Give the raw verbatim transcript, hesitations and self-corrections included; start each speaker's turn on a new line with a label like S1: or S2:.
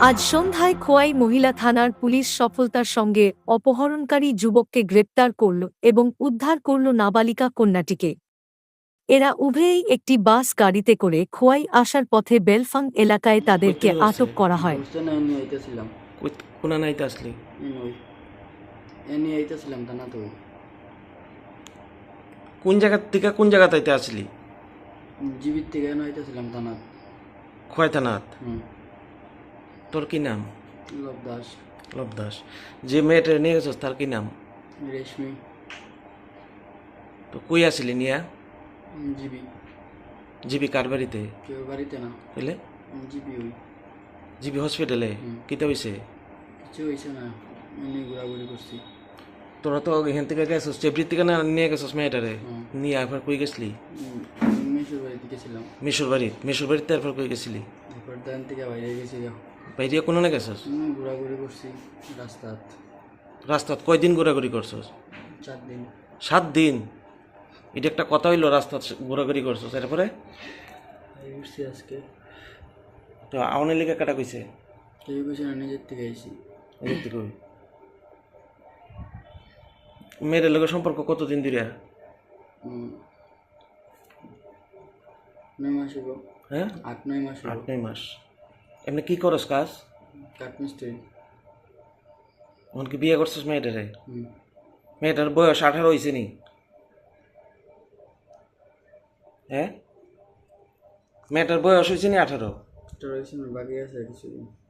S1: আজ সন্ধ্যায় খোয়াই মহিলা থানার পুলিশ সফলতার সঙ্গে অপহরণকারী যুবককে গ্রেপ্তার করল এবং উদ্ধার করল নাবালিকা কন্যাটিকে। এরা উভয়েই একটি বাস গাড়িতে করে খোয়াই আসার পথে বেলফাং এলাকায় তাদেরকে আটক করা হয়।
S2: কোন জায়গা থেকে কোন জায়গা তাইতে আসলি?
S3: জীবিত থেকে নাইতেছিলাম থানাত।
S2: খোয়াই থানাত?
S3: হুম।
S2: তোর কি নাম?
S3: লব দাস।
S2: লব দাস। যে মেয়েটা নিয়ে গেছিস তার কি নাম?
S3: রেশমি।
S2: তো কই আসলি নিয়া?
S3: জিবি।
S2: জিবি কার বাড়িতে?
S3: কেউ বাড়িতে না।
S2: বুঝলে?
S3: জিবি ওই।
S2: জিবি হসপিটালে? কিতে হয়েছে?
S3: কিছু হয়েছে না, এমনি ঘোরাঘুরি করছি।
S2: তোরা তো এখান থেকে গেছিস, চেবরির থেকে না নিয়ে গেছিস মেয়েটারে? নিয়ে এরপর কই গেছিলি?
S3: মিশুর বাড়িতে গেছিলাম।
S2: মিশুর বাড়ি? মিশুর বাড়িতে এরপর কই গেছিলি?
S3: এরপর দান থেকে বাইরে গেছি।
S2: বাইরে কোনো না গেছিস?
S3: ঘোরাঘুরি করছি রাস্তাত।
S2: রাস্তাত কয়দিন ঘোরাঘুরি করছিস?
S3: চার দিন।
S2: সাত দিন? এটা একটা কথা হইলো রাস্তাত ঘোরাঘুরি করছিস? এরপরে
S3: ঘুরছি আজকে।
S2: তো আওয়ামী লীগের কাটা কইছে?
S3: কেউ কইছে না, নিজের থেকে আইছি।
S2: নিজের থেকে? মেয়েদের লোকের সম্পর্ক কতদিন ধরে?
S3: নয় মাস হইব।
S2: হ্যাঁ,
S3: আট নয় মাস।
S2: আট নয় মাস। এমনি কি করস কাজ?
S3: কাঠমিস্ত্রি।
S2: কি বিয়ে করছিস মেয়েটারে?
S3: হুম।
S2: মেয়েটার বয়স আঠারো হয়েছে নি? হ্যাঁ, মেয়েটার বয়স হয়েছে নি আঠারো?
S3: বাকি আছে কিছুদিন।